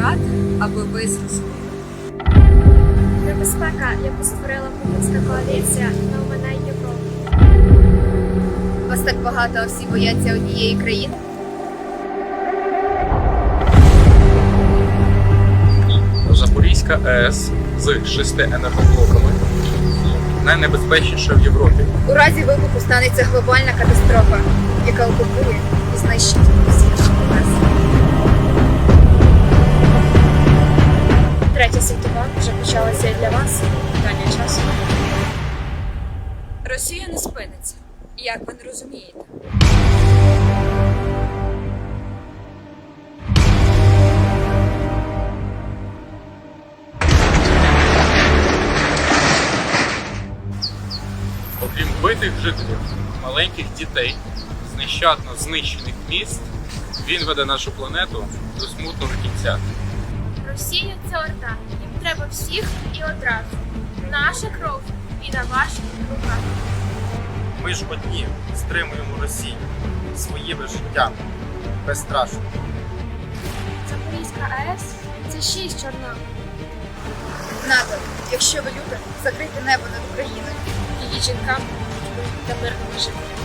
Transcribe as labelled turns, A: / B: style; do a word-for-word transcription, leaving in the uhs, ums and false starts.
A: втрат, аби ви зрозуміли.
B: Небезпека, яку створила путінська коаліція, не оминає Європу.
A: Вас так багато, а всі бояться однієї країни?
C: Запорізька АЕС з шести енергоблоками найнебезпечніша в Європі.
A: У разі вибуху станеться глобальна катастрофа, яка окупує і знищить всіх нас.
B: Третя світова вже почалася і для вас. Питання часу.
A: Росія не спиниться, як ви не розумієте.
C: Окрім вбитих жителів, маленьких дітей, з нещадно знищених міст, він веде нашу планету до смутного кінця.
B: Росія – це орда. Їм треба всіх і одразу. Наша кров і на ваших руках.
D: Ми ж одні стримуємо Росію своїми життями, безстрашно.
B: Запорізька АЕС – це шість Чорнобилів.
A: НАТО, якщо ви любите, закрийте небо над Україною.
B: Її жінкам та мирному життю.